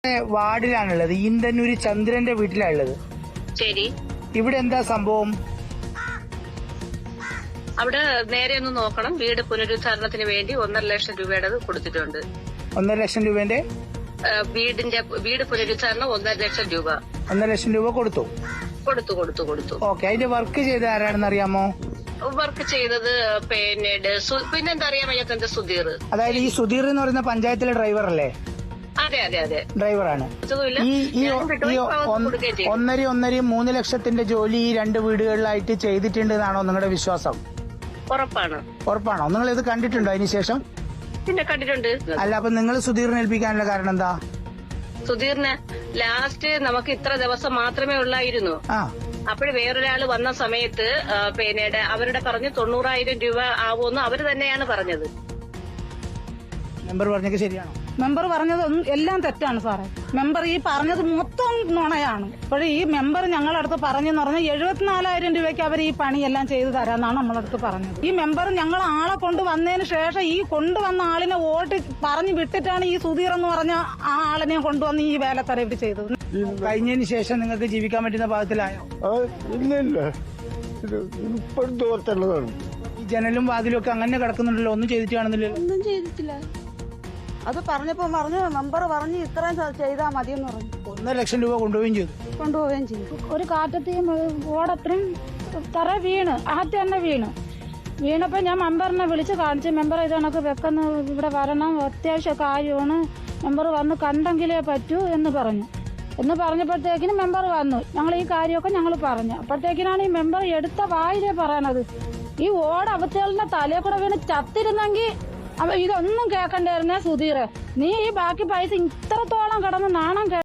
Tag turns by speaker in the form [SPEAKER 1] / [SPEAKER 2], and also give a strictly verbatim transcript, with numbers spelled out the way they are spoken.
[SPEAKER 1] വാർഡിലാണുള്ളത്. ഈന്തന്നൂര് ചന്ദ്രന്റെ വീട്ടിലാണുള്ളത്.
[SPEAKER 2] ശരി.
[SPEAKER 1] ഇവിടെ എന്താ സംഭവം?
[SPEAKER 2] അവിടെ നേരെ ഒന്ന് നോക്കണം. വീട് പുനരുദ്ധാരണത്തിന് വേണ്ടി ഒന്നര ലക്ഷം രൂപയുടെ കൊടുത്തിട്ടുണ്ട്.
[SPEAKER 1] ഒന്നര ലക്ഷം രൂപന്റെ
[SPEAKER 2] വീടിന്റെ വീട് പുനരുദ്ധാരണം ഒന്നര ലക്ഷം രൂപ
[SPEAKER 1] ഒന്നര ലക്ഷം രൂപ കൊടുത്തു
[SPEAKER 2] കൊടുത്തു കൊടുത്തു കൊടുത്തു
[SPEAKER 1] ഓക്കെ. അതിന്റെ വർക്ക് ചെയ്ത ആരാണെന്ന് അറിയാമോ?
[SPEAKER 2] വർക്ക് ചെയ്തത് പിന്നീട് പിന്നെന്താ അറിയാൻ വയ്യാത്ത സുധീർ.
[SPEAKER 1] അതായത് ഈ സുധീർ എന്ന് പറയുന്ന പഞ്ചായത്തിലെ ഡ്രൈവർ അല്ലേ?
[SPEAKER 2] അതെ അതെ അതെ
[SPEAKER 1] ഡ്രൈവറാണ്. ഈ ഈ ഒന്നര ഒന്നര മൂന്ന് ലക്ഷത്തിന്റെ ജോലി ഈ രണ്ട് വീടുകളിലായിട്ട് ചെയ്തിട്ടുണ്ട് എന്നാണോ നിങ്ങളുടെ വിശ്വാസം?
[SPEAKER 2] ഉറപ്പാണ്.
[SPEAKER 1] ഉറപ്പാണോ? നിങ്ങൾ ഇത് കണ്ടിട്ടുണ്ടോ അതിനുശേഷം?
[SPEAKER 2] പിന്നെ കണ്ടിട്ടുണ്ട്.
[SPEAKER 1] അല്ല, അപ്പൊ നിങ്ങൾ സുധീറിനെ ഏൽപ്പിക്കാനുള്ള കാരണം എന്താ?
[SPEAKER 2] സുധീറിന് ലാസ്റ്റ് നമുക്ക് ഇത്ര ദിവസം മാത്രമേ ഉള്ളായിരുന്നു. അപ്പോഴ് വേറൊരാള് വന്ന സമയത്ത് പിന്നീട് അവരുടെ പറഞ്ഞ് തൊണ്ണൂറായിരം രൂപ ആവുമെന്ന് അവര് തന്നെയാണ് പറഞ്ഞത്.
[SPEAKER 1] മെമ്പർ പറഞ്ഞത് ശരിയാണോ?
[SPEAKER 3] മെമ്പർ പറഞ്ഞത് എല്ലാം തെറ്റാണ് സാറേ. മെമ്പർ ഈ പറഞ്ഞത് മൊത്തം നുണയാണ്. ഇപ്പോഴും ഈ മെമ്പർ ഞങ്ങളടുത്ത് പറഞ്ഞെന്ന് പറഞ്ഞാൽ എഴുപത്തിനാലായിരം രൂപയ്ക്ക് അവർ ഈ പണിയെല്ലാം ചെയ്തു തരാമെന്നാണ് നമ്മളടുത്ത് പറഞ്ഞത്. ഈ മെമ്പർ ഞങ്ങൾ ആളെ കൊണ്ടുവന്നതിന് ശേഷം ഈ കൊണ്ടുവന്ന ആളിനെ വോട്ട് പറഞ്ഞു വിട്ടിട്ടാണ് ഈ സുധീർ എന്ന് പറഞ്ഞ ആ ആളിനെ കൊണ്ടുവന്ന് ഈ വേലത്തറ ഇവർ ചെയ്തത്.
[SPEAKER 1] കഴിഞ്ഞതിന് ശേഷം നിങ്ങൾക്ക് ജീവിക്കാൻ പറ്റുന്ന പാകത്തിലായോ?
[SPEAKER 4] ഇല്ല ഇല്ല, ഇപ്പോഴത്തെ ഓർത്തുള്ളതാണ്.
[SPEAKER 1] ഈ ജനലും വാതിലും ഒക്കെ അങ്ങനെ കിടക്കുന്നുണ്ടല്ലോ, ഒന്നും ചെയ്തിട്ട് കാണുന്നില്ലല്ലോ.
[SPEAKER 3] ഒന്നും ചെയ്തിട്ടില്ല. അത് പറഞ്ഞപ്പോ പറഞ്ഞു മെമ്പർ പറഞ്ഞു ഇത്രയും ചെയ്താൽ മതിയെന്ന് പറഞ്ഞു.
[SPEAKER 1] ഒന്നര ലക്ഷം രൂപ കൊണ്ടുപോവുകയും ചെയ്തു
[SPEAKER 3] കൊണ്ടുപോവുകയും ചെയ്തു. ഒരു കാറ്റത്തെയും ഓടത്രയും തറ വീണ് ആദ്യം തന്നെ വീണ് വീണപ്പോ ഞാൻ മെമ്പറിനെ വിളിച്ച് കാണിച്ചു. മെമ്പർ ഇത് കണക്ക് വെക്കുന്ന ഇവിടെ വരണം, അത്യാവശ്യ കാര്യമാണ്, മെമ്പർ വന്ന് കണ്ടെങ്കിലേ പറ്റൂ എന്ന് പറഞ്ഞു. എന്ന് പറഞ്ഞപ്പോഴത്തേക്കിനും മെമ്പർ വന്നു. ഞങ്ങൾ ഈ കാര്യമൊക്കെ ഞങ്ങൾ പറഞ്ഞു. അപ്പോഴത്തേക്കിനാണ് ഈ മെമ്പർ എടുത്ത വായിലേ പറയണത് ഈ ഓട അവത്തേളിന്റെ തലയെ കൂടെ വീണ് ചത്തിരുന്നെങ്കിൽ അപ്പൊ ഇതൊന്നും കേൾക്കണ്ടായിരുന്നേ സുധീർ. നീ ഈ ബാക്കി പൈസ ഇത്രത്തോളം കിടന്ന് നാണം